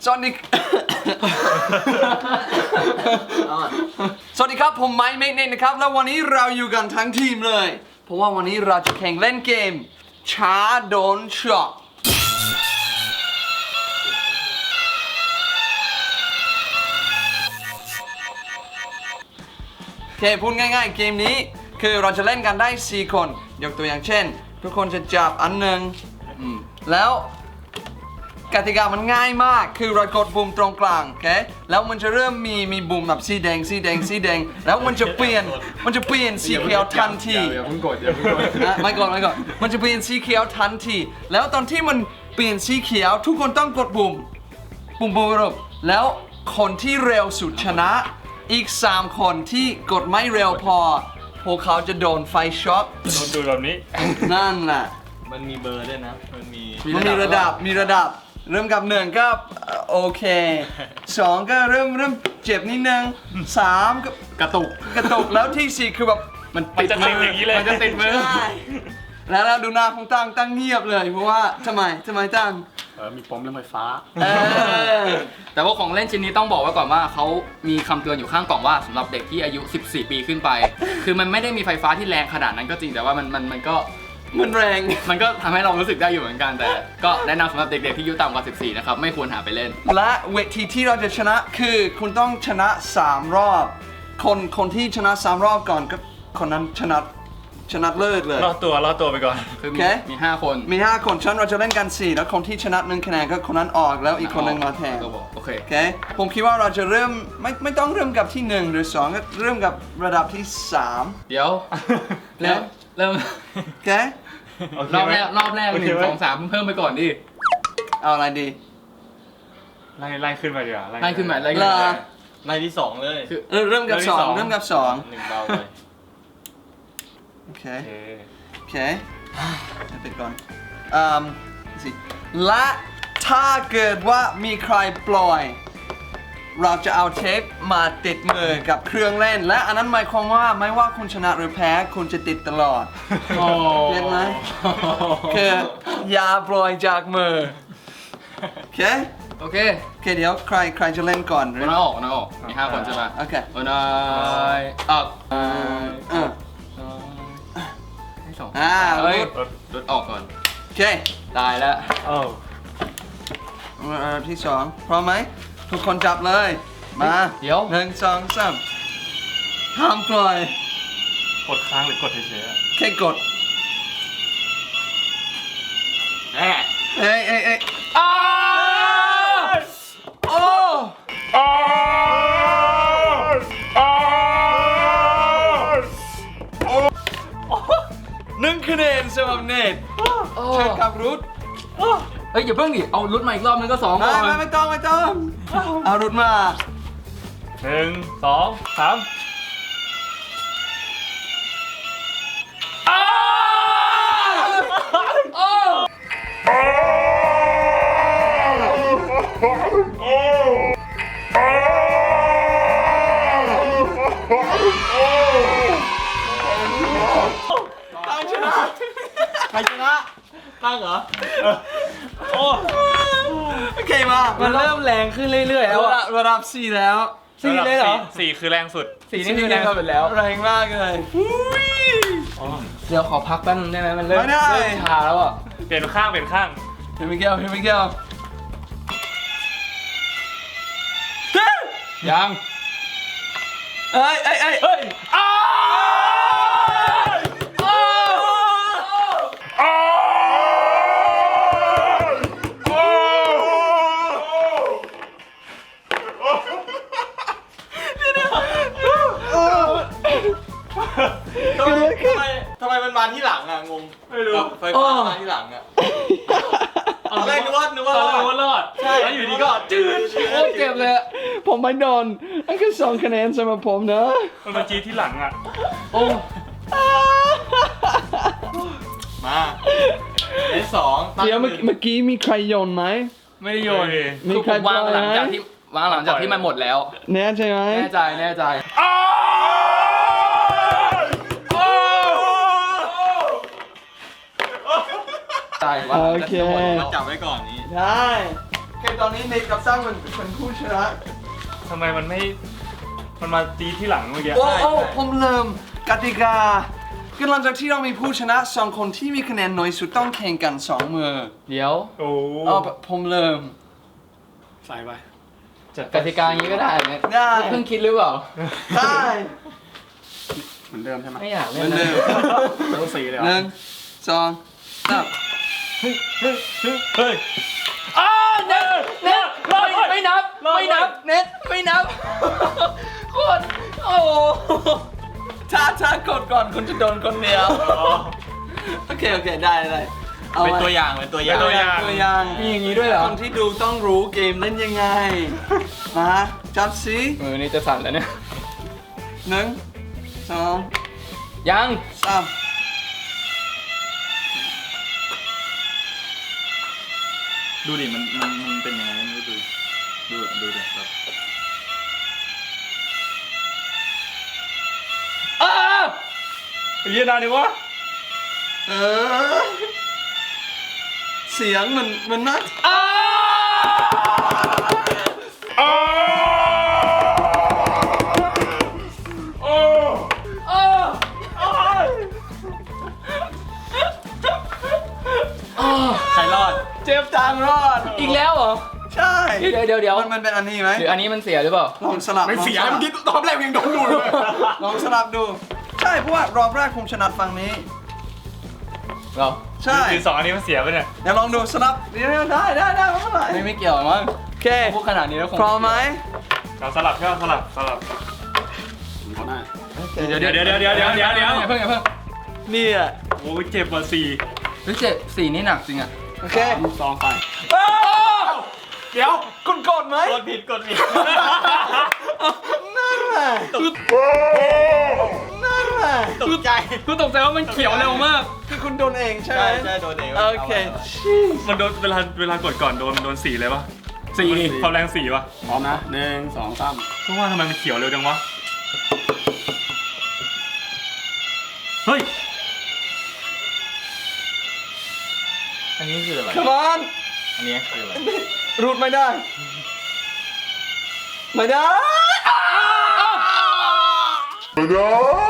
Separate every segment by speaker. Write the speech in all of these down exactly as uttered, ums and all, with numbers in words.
Speaker 1: สวัสดี สวัสดีครับผมไมค์เมกเนตนะครับแล้ววันนี้เราอยู่กันทั้งทีมเลยเพราะว่าวันนี้เราจะแข่งเล่นเกมช้าโดนช็อตโอเคพูดง่ายๆเกมนี้คือเราจะเล่นกันได้สี่คนยกตัวอย่างเช่นทุกคนจะจับอันหนึ่งแล้วกติกามันง่ายมากคือเรากดปุ่มตรงกลางโอเคแล้วมันจะเริ่มมีมีปุ่มแบบสีแดงสีแดงสีแดงแล้วมันจะเปลี่ยนมันจะเปลี่ยนสีเขียวทันที
Speaker 2: อย่าเพิ่งกดอย่าเพิ่งกด
Speaker 1: นะไม่กดไม่กดมันจะเปลี่ยนสีเขียวทันทีแล้วตอนที่มันเปลี่ยนสีเขียวทุกคนต้องกดปุ่มปุ่มปุ่มปุ่มแล้วคนที่เร็วสุดชนะอีกสามคนที่กดไม่เร็วพอพวกเขาจะโดนไฟช็อต
Speaker 2: โดนดูแบบนี้
Speaker 1: นั่นแหละ
Speaker 3: มันมีเบอร์ด้วยนะมันมี
Speaker 1: มันมีระดับมีระดับเริ่มกับหนึ่งก็โอเคสองก็เริ่มเริ่มเจ็บนิดนึงสามก็
Speaker 2: กระตุก
Speaker 1: กระตุกแล้วที่สี่คือแบบ
Speaker 2: มันติดมืออย่างนี้เลย
Speaker 1: มันจะติดมือแล้วเราดูหน้าของตั้งตั้งเงียบเลยเพราะว่าทำไมทำไมตั้ง
Speaker 2: เออมีปมเรื่องไฟฟ้า
Speaker 4: แต่ว่าของเล่นชิ้นนี้ต้องบอกไว้ก่อนว่าเขามีคำเตือนอยู่ข้างกล่องว่าสำหรับเด็กที่อายุสิบสี่ปีขึ้นไปคือมันไม่ได้มีไฟฟ้าที่แรงขนาดนั้นก็จริงแต่ว่ามันมันมันก็
Speaker 1: มันแรง
Speaker 4: มันก็ทำให้เรารู้สึกได้อยู่เหมือนกันแต่ก็แนะนำสำหรับเด็กๆที่อายุต่ำกว่าสิบสี่นะครับไม่ควรหาไปเล่น
Speaker 1: และเวทีที่เราจะชนะคือคุณต้องชนะสามรอบคนคนที่ชนะสามรอบก่อนก็คนนั้นชนะชนะเลิศเลย
Speaker 2: รอดตัวรอดตัวไปก่อน
Speaker 4: คือมีมีห้าคน
Speaker 1: มีห้าคนฉันเราจะเล่นกันสี่แล้วคนที่ชนะหนึ่งคะแนนก็คนนั้นออกแล้วอีกคนหนึ่งมาแทน
Speaker 4: โอเค
Speaker 1: โอเคผมคิดว่าเราจะเริ่มไม่ไม่ต้องเริ่มกับที่หนึ่งหรือสองก็เริ่มกับระดับที่สาม
Speaker 4: เดี๋ยวเริ่มเริ่ม
Speaker 1: โอเค
Speaker 4: รอบแรกรอบแรกหนึ่งสองสามเพิ่มไปก่อนดิ
Speaker 1: เอาอะไรดี
Speaker 2: ไล่ไล่ขึ้นมาดีกว่า
Speaker 4: ไล่ขึ้นมาไล่ขึ้นมา
Speaker 3: ไล่ที่สองเลย
Speaker 1: คือเริ่มกับสองเริ่มกับสอง
Speaker 3: หนึ่งเบาเลย
Speaker 1: โอเคโอเคไปก่อนอืมสิและถ้าเกิดว่ามีใครปล่อยเราจะเอาเทปมาติดมือกับเครื่องเล่นและอันนั้นหมายความว่าไม่ว่าคุณชนะหรือแพ้คุณจะติดตลอดเห็นไหมคืออย่าปล่อยจากมือโอเค
Speaker 4: โอเค
Speaker 1: โอเคเดี๋ยวใครใครจะเล่นก่อน
Speaker 4: น้าออกน้าออกมีห้าคนใช่ไหม
Speaker 1: โอเค
Speaker 4: โอ้นายออก
Speaker 1: เออ
Speaker 4: ให้สอง
Speaker 1: อ่า
Speaker 4: รุดรุดออกก่อน
Speaker 1: โอเค
Speaker 4: ตายแล้ว
Speaker 1: โอ้ที่สองพร้อมไหมทุกคนจับเลยมา
Speaker 4: เดี๋ยว
Speaker 1: หนึ่งสองสามห้ามปล่อย
Speaker 2: กดค้างหรือกดเฉย
Speaker 1: ๆแค่กดเอ้ยเอ้ยเอ้ยเอ้ยอ้าวโอ้อ้าวอ้าวหนึ่งคะแนนสำหรับเนทเชิญครับรุท
Speaker 4: เฮ้ยอย่าเพิ่งดิเอารุดมาอีกรอบนึงก็สองก่อน
Speaker 1: ไม่ไม่ต้องไม่ต้องเอารุดมา
Speaker 2: หนึ่งสองสาม
Speaker 1: ตั้งชนะใครชนะตั้งเหรอโอ้โอเคมา
Speaker 3: มันเริ่มแรงขึ้นเรื่อยๆแล้วอะ
Speaker 1: ระดับสี่แล้ว
Speaker 3: สี่เลยเหรอ
Speaker 2: สี่คือแรงสุด
Speaker 3: สี่นี่คือแรงสุดแล้ว
Speaker 1: แรงมากเลย
Speaker 4: เดี๋ยวขอพักแป๊บนึงได้ไหมมันเริ่มเริ่มชาแล้วอ่ะ
Speaker 2: เปลี่ยนข้างเปลี่ยนข้าง
Speaker 1: เฮ้ยมิเกลเฮ้ยมิเกล
Speaker 4: ยัง
Speaker 1: เอ้ยเอ้ยเอ้ยเอ้ยอ้าว
Speaker 3: ทำไมทำไมมันมาที่หลังอะงง
Speaker 2: ไม่รู้
Speaker 3: ไฟฟ้ามาที่หลังอะอะไรนึกว่านึกว่า
Speaker 2: นึกว่ารอด
Speaker 3: ใช่
Speaker 2: แล้วอยู่ดีก็จืด
Speaker 1: โอ้เจ็บเลยผมไม่โดนอันก็สองคะแนนสำหรับผมนะ
Speaker 2: มันมาจีที่หลังอะ
Speaker 4: โอ้
Speaker 3: มาไอ้สอง
Speaker 1: เดี๋ยวเมื่อกี้มีใครโยนไหม
Speaker 2: ไม่ได้โยน
Speaker 1: มีใคร
Speaker 4: วางหลังจากที่วางหลังจากที่มันหมดแล้ว
Speaker 1: แน่ใจไหม
Speaker 4: แน่ใจแน่ใจ
Speaker 1: โอเค
Speaker 3: จับไว้ก่อนนี้
Speaker 1: ได้เคตอนนี้เนทกับตั้งมันเป็นผู้ชนะ
Speaker 2: ทำไมมันไม่ มันมาตีที่หลังเมื่อกี้
Speaker 1: โอ้โอ้ผมเริ่มกติกาคือหลังจากที่เรามีผู้ชนะสองคนที่มีคะแนนน้อยสุดต้องแข่งกันสองมือ
Speaker 4: เดี๋ยว
Speaker 2: โอ้
Speaker 1: เอาผมเริ่ม
Speaker 2: ใส่ไปจัด
Speaker 4: กติกาอย่างนี้ก็ได้เนี่ย
Speaker 1: ได้
Speaker 4: เพิ่งคิดหรือเปล่า
Speaker 1: ได้
Speaker 2: เหมือนเดิมใช่ไหม
Speaker 4: ไม่อยาก
Speaker 1: เห
Speaker 4: เล่
Speaker 1: มือน น
Speaker 4: นะ
Speaker 1: เดิม
Speaker 2: ต้องสีเลย
Speaker 1: หนึ่งสองสาม
Speaker 2: เฮ้ยเฮ้ยเฮ้ยอ้าเน็ตเน็ต
Speaker 4: ไม่ไม่นับ ไม่นับ เน็ตไม่นับ โคตรโอ้โห
Speaker 1: ถ้าถ้ากดก่อนคุณจะโดนคนเดียวโอเคโอเคได้ได้อา
Speaker 3: เป็น
Speaker 1: ไ
Speaker 3: ตัวอย่างเป็นตัวอย่าง
Speaker 2: เป็นตัวอย่าง
Speaker 1: ตัวอย่าง
Speaker 4: มีอย่างนี้ด้วยเหรอ
Speaker 1: คนที่ดูต้องรู้เกมเล่นยังไงมาจับสิ
Speaker 4: มือนี่จะสั่นแล้วเนี่ย
Speaker 1: หนึ่งสอง
Speaker 4: ยัง
Speaker 1: สาม
Speaker 3: ดูดิมันมันมันเป็นยังไงไม่รู้ดูดูดูดิแบบ
Speaker 4: อ้า
Speaker 2: ไอ้เหี้ยนานดิวะ
Speaker 1: เออเสียงมันมันน่า
Speaker 4: อ้า
Speaker 2: อ้าโอ้
Speaker 4: อ้า
Speaker 3: ใครรอด
Speaker 1: เจ็บทางรอด
Speaker 4: อีกแล้วเหรอ
Speaker 1: ใช่
Speaker 4: เดี๋ยวเดี๋ยวเดี๋ยว
Speaker 1: มันมันเป็นอันนี้ไหม
Speaker 4: หรืออันนี้มันเสียหรือเปล่า
Speaker 1: ลองสลับ
Speaker 3: ไม่เสีย
Speaker 1: ลองสลับ
Speaker 3: เมื่อกี้ตอนแรกยังโดนดูเลย
Speaker 1: ลองสลับดู ใช่เพราะว่ารอบแรกผมชนะฝั่งนี้
Speaker 4: เหรอ
Speaker 1: ใช่
Speaker 2: คือสองอันนี้มันเสียไปเนี่ย
Speaker 1: เดี๋ยวลองดูสลับเดี๋ยวได้ได้ได้ไม่เป็นไร
Speaker 4: ไม่ไม่เกี่ยวมั้ง
Speaker 1: โอเค
Speaker 4: พูดขนาดนี้แล้วคง
Speaker 1: พร้อมไหม
Speaker 2: เราสลับแค่สลับสลับ
Speaker 3: เขาหน้า
Speaker 2: เดี๋ยวเดี๋ยวเดี๋ยวเดี๋ยวเดี๋ยวเดี๋ยวเดี๋ยวเดี๋ยว
Speaker 4: อย่าเพิ่งอย่าเพิ่ง
Speaker 1: นี่อ่ะ
Speaker 2: โอ้ยเจ็บกว่าสี่
Speaker 4: เฮ้ยเจ็บสีนี่หนักจริงอ่ะ
Speaker 1: โอเค
Speaker 3: ซองไป
Speaker 1: เดี๋ยวคุณกดไหม
Speaker 3: กดผิดกดผิด
Speaker 1: นั่นแหละนั่นแหละ
Speaker 3: ตกใจ
Speaker 4: คือตกใจว่ามันเขียวเร็วมาก
Speaker 1: คือคุณโดนเองใช่ไหม
Speaker 3: ใช่ใช่โดนเอง
Speaker 1: โอเค
Speaker 2: มันโดนเวลาเวลากดก่อนโดนโดนสี่เลยปะ
Speaker 4: สี่
Speaker 2: ความแรงสี่ปะ
Speaker 3: พร้อมนะหนึ่งสองสาม
Speaker 2: ก็ว่าทำไมมันเขียวเร็วจังวะ เฮ้ย
Speaker 3: อันนี้คืออะไร
Speaker 1: Come on
Speaker 3: อันนี้คืออะไร
Speaker 1: รูดไม่ได้ ไม่ได้ ไม่ได้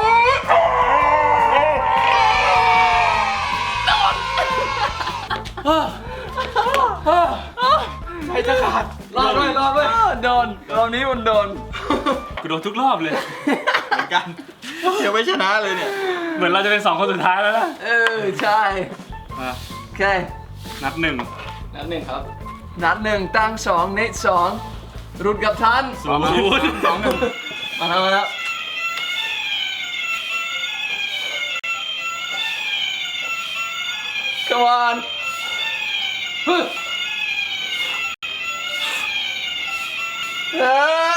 Speaker 4: ให้จะขาดรอดด้วยรอดด้วย
Speaker 1: โดนรอบนี้มันโดน
Speaker 2: กูโดนทุกรอบเลย
Speaker 3: เหมือนกันยังไม่ชนะเลยเนี่ย
Speaker 2: เหมือนเราจะเป็นสองคนสุดท้ายแล้วนะ
Speaker 1: เออ ใช่
Speaker 2: มา
Speaker 1: โอเค
Speaker 2: นัดหนึ่ง
Speaker 4: นัดหนึ่งครับ
Speaker 1: นัดหนึ่งตั้งสองเนตสองรุดกับท่าน
Speaker 2: ศูนย์
Speaker 3: สองหนึ่ง
Speaker 1: มาแล้วมาแล้วกวานฮึเออ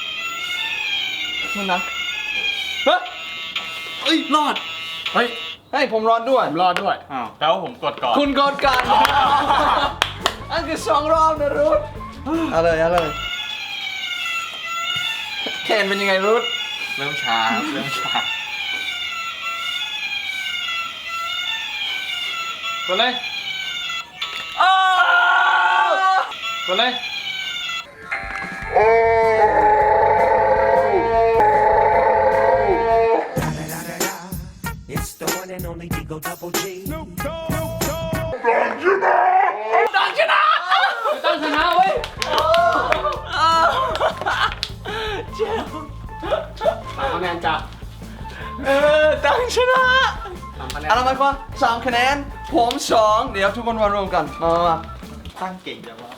Speaker 1: มันนะเฮ้ย
Speaker 3: เอ้ยรอด
Speaker 2: เฮ้ย
Speaker 1: ให้ผมรอดด้วย
Speaker 3: ผมรอดด้วย
Speaker 2: อ้าว
Speaker 3: แล้วผมกดก่อน
Speaker 1: คุณกดกัน อันคือสองรอบนะรุดเอาเลยเอาเลยแขนเป็นยังไงรุด
Speaker 3: เริ่มช้าครับเริ่มช้าก
Speaker 4: ดเลยกดเลย
Speaker 5: It's the one and only Digo Double G.
Speaker 4: ตั้งชนะตั้งชนะเว้ย
Speaker 3: สามคะแนนจ้ะ
Speaker 1: เออตั้งชนะ
Speaker 3: สามคะแนน
Speaker 1: เอาละไรมาสามคะแนน ผมสองเดี๋ยวทุกคนมารวมกัน มามามา
Speaker 3: ตั้งเก่งจังวะ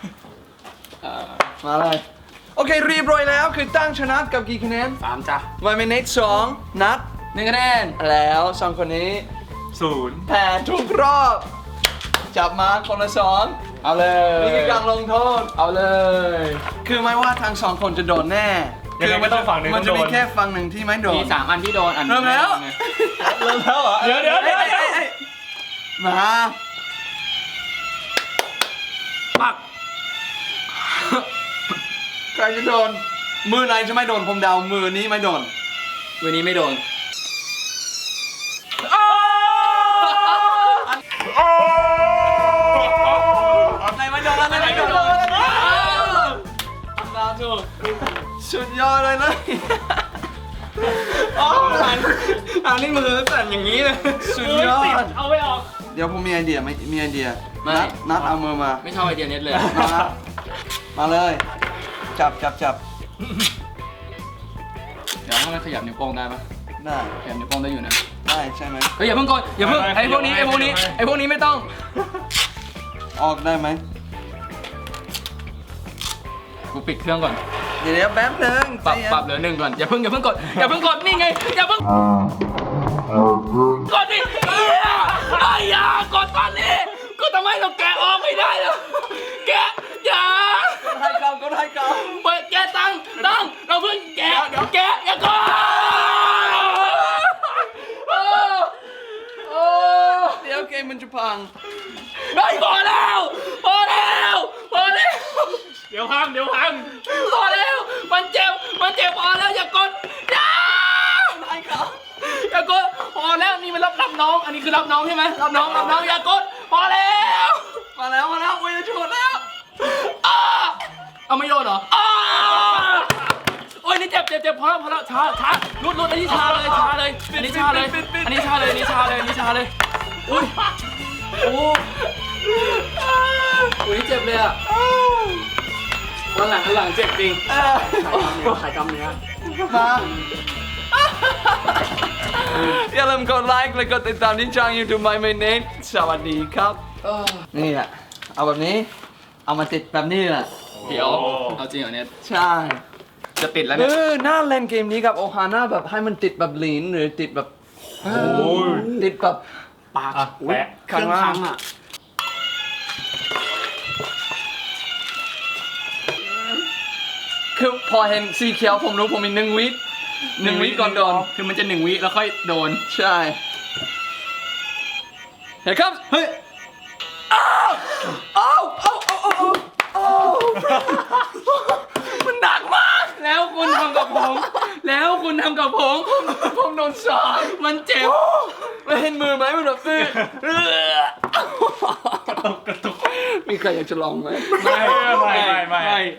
Speaker 1: มาเลย โอเคเรียบร้อยแล้วคือตั้งชนะกับกี่คะแนน
Speaker 3: สามจ้ะ
Speaker 1: ไวเมเนตสองนัด
Speaker 4: หนึ่งคะแนน
Speaker 1: แล้วสองคนนี้
Speaker 2: ศูนย์
Speaker 1: แพ้ทุกรอบ จับมาคนละสอง
Speaker 4: เอาเลย
Speaker 1: นี่คือการลงโทษ
Speaker 4: เอาเลย
Speaker 1: คือไม่ว่าทั้งสองคนจะโดนแน่
Speaker 2: ยังไงก็ต้องฝั่งหนึ่ง
Speaker 1: มัน
Speaker 2: ต้อง
Speaker 1: จะ
Speaker 2: โด
Speaker 1: มี
Speaker 2: น
Speaker 1: แค่ฝั่งหนึ่งที่ไม่โดน
Speaker 4: มีสามอันที่โดนอัน
Speaker 1: เริ่มแล้ว
Speaker 3: เริ่มแล้วเหรอ
Speaker 2: เดี๋ยวเดี๋ยวเดี๋ยวเดี๋ยว
Speaker 1: อ้อ้อ้มา
Speaker 2: ปัก
Speaker 1: ใครจะโดน มือไหนจะไม่โดนผมเดามือนี้ไม่โดน
Speaker 4: วันนี้ไม่โดน
Speaker 1: ไหนไม่โดนอะไรไม่โดนอะไรไม่โดนสุดยอดเลยเลย
Speaker 2: อ๋ออันอันนี้มือสั่นอย่างนี้เลย
Speaker 1: สุดยอด
Speaker 2: เอาไม่ออก
Speaker 1: เดี๋ยวผมมีไอเดียไหมมีไอเดีย
Speaker 4: ไม่
Speaker 1: นัดนัดเอามือมา
Speaker 4: ไม่ชอบไอเดียเน็ตเลย
Speaker 1: มา มาเลย จับจับจับ
Speaker 4: เดี๋ยวให้มันขยับนิ้วโป้งได้ปะ
Speaker 1: ได้
Speaker 4: ขยับนิ้วโป้งได้อยู่นะ
Speaker 1: ได้ใช่ไหม
Speaker 4: เฮ้ยอย่าเพิ่งกดอย่าเพิ่งไอ้พวกนี้ไอ้พวกนี้ไอ้พวกนี้ไม่ต้อง
Speaker 1: ออกได้ไหม
Speaker 4: กูปิดเครื่องก่อน
Speaker 1: เดี๋ยวเดี๋ยวแป๊บนึง
Speaker 4: ปรับ
Speaker 1: ใจเย็น
Speaker 4: ปรับเหลือหนึ่งก่อนอย่าเพิ่งอย่าเพิ่งกดอย่าเพิ่งกดนี่ไงอย่าเพิ่งกดดิเอ้ยไอ้ยากดตอนนี้ก็ทำไมเราแกะออกไม่ได้ล่ะแกะอย่า
Speaker 1: ให้ก่อนก็ให้ก่อน
Speaker 4: เปิดแกะตังตังเราเพิ่งแกะแกะอย่ากดโอ้โอ้
Speaker 1: เดี๋ยวเกมมันจะพัง
Speaker 4: ไอ้ยพอแล้วพอแล้วพอแล้ว
Speaker 2: เดี๋ยวพังเดี๋ยวพัง
Speaker 4: พอแล้วมันเจ็บมันเจ็บพอแล้วอย่ากดอย่า
Speaker 1: ให้ก่อน
Speaker 4: อย่ากดพอแล้วนี่มันรับรับน้อง อันนี้คือรับน้องใช่ไหมรับน้องรับน้องอย่ากดพอแล้ว
Speaker 1: มาแล้วมาแล้วโอ้ยจะชนแล้ว
Speaker 4: อ้าเอาไม่โดนเหรออ้าโอ้ยนี่เจ็บเจ็บเจ็บพอแล้วพอแล้วช้าช้าลุดลุดอันนี้ชาเลยชาเลยอันนี้ชาเลยอันนี้ชาเลยอันนี้ชาเลยอันนี้ชาเลยอุ้ยโอ้อุ้ยเจ็บเลยอ่ะวันหลังวันหลังเจ็บจริง
Speaker 1: เออ
Speaker 2: ใครกำเนี้ย
Speaker 1: มาอย่าลืมกดไลค์และกดติดตามที่ช่อง YouTube My m a n a t e สวัสดีครับ นี่แหละ เอาแบบนี้ เอามาติดแบบนี้แหละ
Speaker 4: เดี๋ยวเอาจริงเหรอเนี่ย
Speaker 1: ใช่
Speaker 4: จะติดแล้ว
Speaker 1: เอ
Speaker 4: เนี่ย
Speaker 1: อน่าเล่นเกมนี้กับโอฮาน่าแบบให้มันติดแบบลีนหรือติดแบบ
Speaker 2: โอ้ย
Speaker 1: ติดแบบ
Speaker 2: ปากแปะ
Speaker 1: ข้างล่างอ่ะ คือพอเห็นสีเขียวผมรู้ผมมีหนึ่งวิหนึ่งวิก่อนโดน
Speaker 4: คือมันจะหนึ่งวิแล้วค่อยโดน
Speaker 1: ใช่เฮ้ยครับ เฮ้ย อ้าวอ้าวอ้าวอ้าวอ้าวอ้าวมันหนักมาก
Speaker 4: แล้วคุณทำกับผม แล้วคุณทำกับผม
Speaker 1: ผมโดนสอย
Speaker 4: มันเจ็บ
Speaker 1: แล้วเห็นมือไหมมันแบบตื้อเออก
Speaker 2: ระตุกกระตุก
Speaker 1: มีใครอยากจะลองไหม
Speaker 2: ไม่ไม่ไม่ไม่